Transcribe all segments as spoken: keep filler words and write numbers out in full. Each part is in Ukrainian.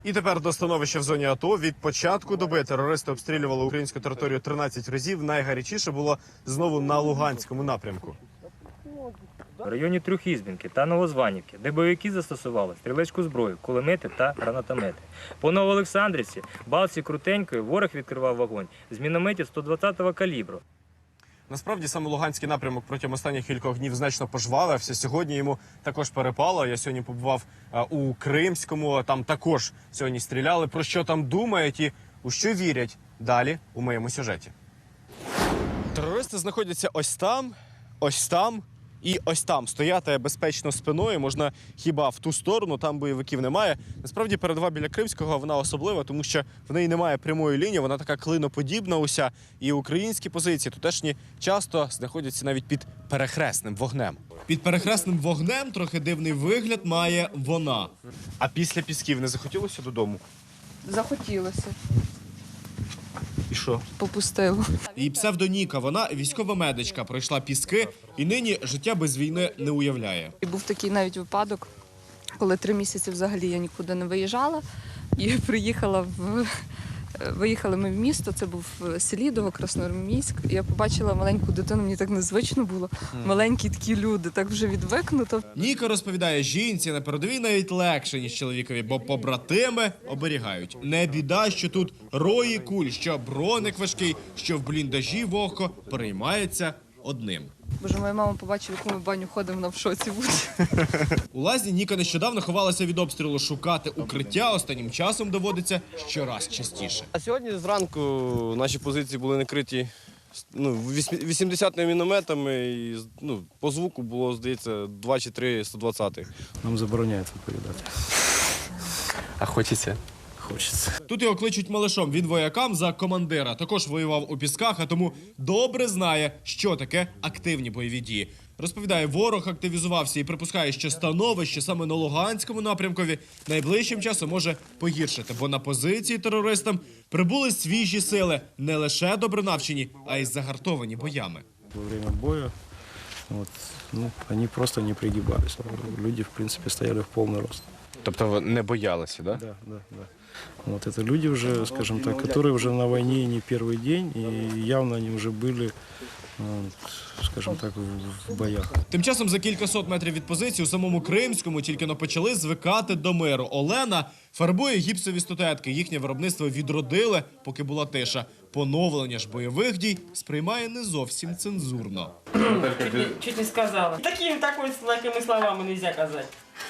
І тепер до становища в зоні АТО. Від початку доби терористи обстрілювали українську територію тринадцять разів. Найгарячіше було знову на Луганському напрямку. В районі Трьохізбінки та Новозванівки, де бойовики застосували стрілецьку зброю, кулемети та гранатомети. По Новоолександрівці, Балці Крутенької ворог відкривав вогонь з мінометів сто двадцятого калібру. Насправді, саме Луганський напрямок протягом останніх кількох днів значно пожвавився. Сьогодні йому також перепало. Я сьогодні побував у Кримському, там також сьогодні стріляли. Про що там думають і у що вірять? Далі у моєму сюжеті. Терористи знаходяться ось там, ось там і ось там. Стояти безпечно спиною можна хіба в ту сторону, там бойовиків немає. Насправді, передова біля Кримського, вона особлива, тому що в неї немає прямої лінії, вона така клиноподібна уся. І українські позиції тутешні часто знаходяться навіть під перехресним вогнем. Під перехресним вогнем трохи дивний вигляд має вона. А після Пісків не захотілося додому? Захотілося. І що? Попустило. Її псевдоніка, вона військова медичка, пройшла Піски і нині життя без війни не уявляє. І був такий навіть випадок, коли три місяці взагалі я нікуди не виїжджала і приїхала в... Виїхали ми в місто, це був Селідово, Красноармійськ. І я побачила маленьку дитину, мені так незвично було. Маленькі такі люди, так вже відвикнуто. Ніка розповідає, жінці на передовій навіть легше, ніж чоловікові, бо побратими оберігають. Не біда, що тут рої куль, що броник важкий, що в бліндажі вогко переймається одним. Боже, моя мама побачила, яку ми в баню ходимо, вона в шоці буде. У лазні Ніка нещодавно ховалася від обстрілу. Шукати укриття останнім часом доводиться щораз частіше. А сьогодні зранку наші позиції були накриті ну, вісімдесятими мінометами, і ну, по звуку було, здається, два чи три сто двадцятих. Нам забороняють відповідати. А хочеться? Хочеться. Тут його кличуть малишом, він воякам за командира. Також воював у Пісках, а тому добре знає, що таке активні бойові дії. Розповідає, ворог активізувався і припускає, що становище саме на Луганському напрямкові найближчим часом може погіршити, бо на позиції терористам прибули свіжі сили, не лише добре навчені, а й загартовані боями. Во время боя вот, ну, они просто не пригибались. Люди, в принципе, стояли в полный рост. Тобто не боялися, да? Да, да, да. Вот это люди уже, скажем так, которые уже на войне не первый день, и явно они уже были, скажем так, в боях. Тим часом за кількасот метрів від позиції у самому Кримському тільки но почали звикати до миру. Олена фарбує гіпсові статуетки. Їхнє виробництво відродили, поки була тиша. Поновлення ж бойових дій сприймає не зовсім цензурно. Чуть не, чуть не сказала. Такими, такой, такими словами нельзя казать.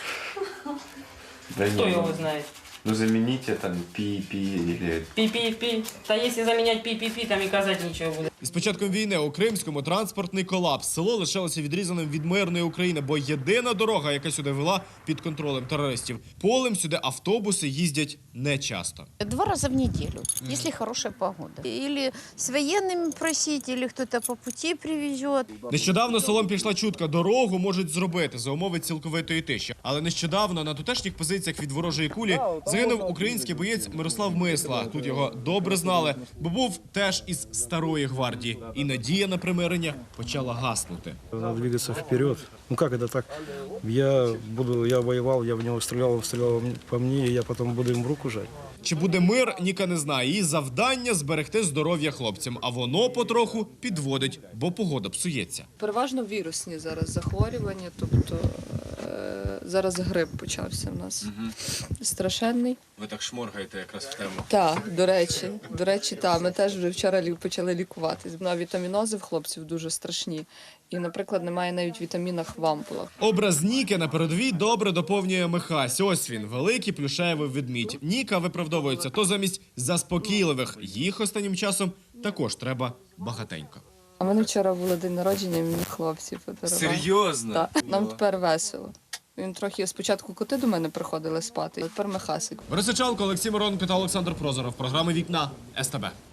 Да Кто не, его ну, знает? Ну замените там пи-пи или... Пи-пи-пи. Да если заменять пи-пи-пи, там и казать ничего будет. З початком війни у Кримському транспортний колапс. Село лишилося відрізаним від мирної України, бо єдина дорога, яка сюди вела, під контролем терористів. Полем сюди автобуси їздять нечасто. Два раза в неделю, mm. если хорошая погода. Или с военными просить, или кто-то по пути привезет. Нещодавно селом пішла чутка, дорогу можуть зробити за умови цілковитої тиші. Але нещодавно на тутешніх позиціях від ворожої кулі загинув український боєць Мирослав Мисла. Тут його добре знали, бо був теж із старої гвардії. І надія на примирення почала гаснути. Надо двигаться вперед. Ну как это так? Я буду, я воевал, я в него стрелял, он стрелял по мне, и я потом буду им в руку жать. Чи буде мир, Ніка не знає. Її завдання – зберегти здоров'я хлопцям. А воно потроху підводить, бо погода псується. Переважно вірусні зараз захворювання, тобто е зараз грип почався в нас. Угу. Страшенний. Ви так шморгаєте якраз в тему. Так, до речі, до речі, так. Ми теж вже вчора лі почали лікуватись. На вітамінози в хлопців дуже страшні. І, наприклад, немає навіть вітамінах в ампулах. Образ Ніки на передовій добре доповнює Михась. Ось він, великий плюшевий ведмідь. Ніка виправдовується то замість заспокійливих. Їх останнім часом також треба багатенько. А в мене вчора було день народження, і мені хлопці подарували. Серйозно? Так, нам тепер весело. Він трохи спочатку коти до мене приходили спати, а тепер Михасик. Борис Сичалко, Олексій Мироненко та Олександр Прозоров. Програми «Вікна» ес те бе.